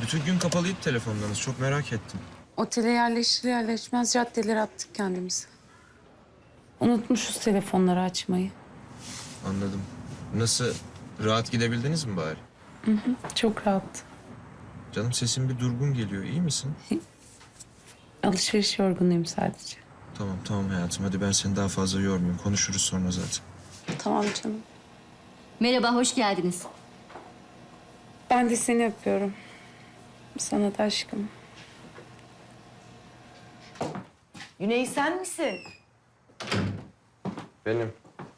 Bütün gün kapalıydı telefonlarınız. Çok merak ettim. Otele yerleşir yerleşmez caddelere attık kendimizi. Unutmuşuz telefonları açmayı. Anladım. Nasıl? Rahat gidebildiniz mi bari? Çok rahat. Canım sesin bir durgun geliyor. İyi misin? Alışveriş yorgunuyum sadece. Tamam tamam hayatım. Hadi ben seni daha fazla yormayayım. Konuşuruz sonra zaten. Tamam canım. Merhaba, hoş geldiniz. Ben de seni öpüyorum. Sana da aşkım. Güney sen misin? Benim.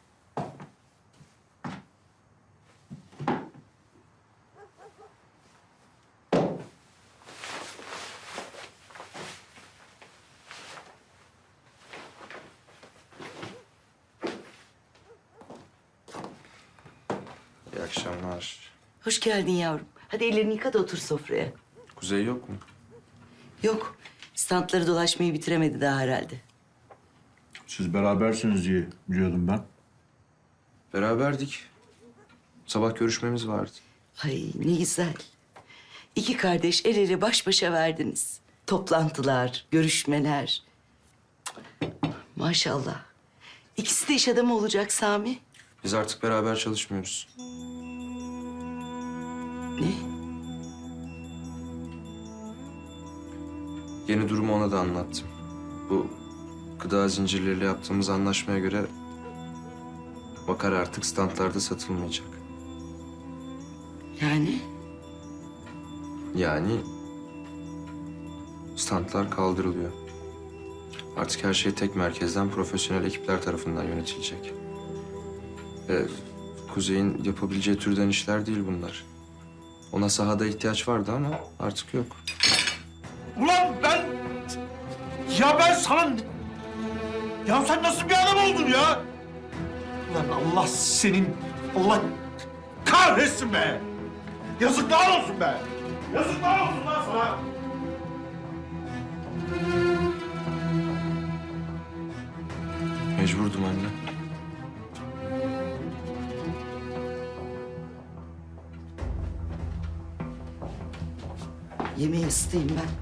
İyi akşamlar. Hoş geldin yavrum. Hadi ellerini yıka da otur sofraya. Kuzey yok mu? Yok, standları dolaşmayı bitiremedi daha herhalde. Siz berabersiniz diye biliyordum ben. Beraberdik. Sabah görüşmemiz vardı. Ay ne güzel. İki kardeş el ele baş başa verdiniz. Toplantılar, görüşmeler. Maşallah. İkisi de iş adamı olacak Sami. Biz artık beraber çalışmıyoruz. Ne? Yeni durumu ona da anlattım. Bu gıda zincirleriyle yaptığımız anlaşmaya göre bakar artık standlarda satılmayacak. Yani? Yani standlar kaldırılıyor. Artık her şey tek merkezden profesyonel ekipler tarafından yönetilecek. Kuzey'in yapabileceği türden işler değil bunlar. Ona sahada ihtiyaç vardı ama artık yok. Ulan ben... Ya ben sana... Ya sen nasıl bir adam oldun ya? Ulan Allah senin... Allah kahretsin be! Yazıklar olsun be! Yazıklar olsun lan sana! Mecburdum anne. Yemeği ısıtayım ben.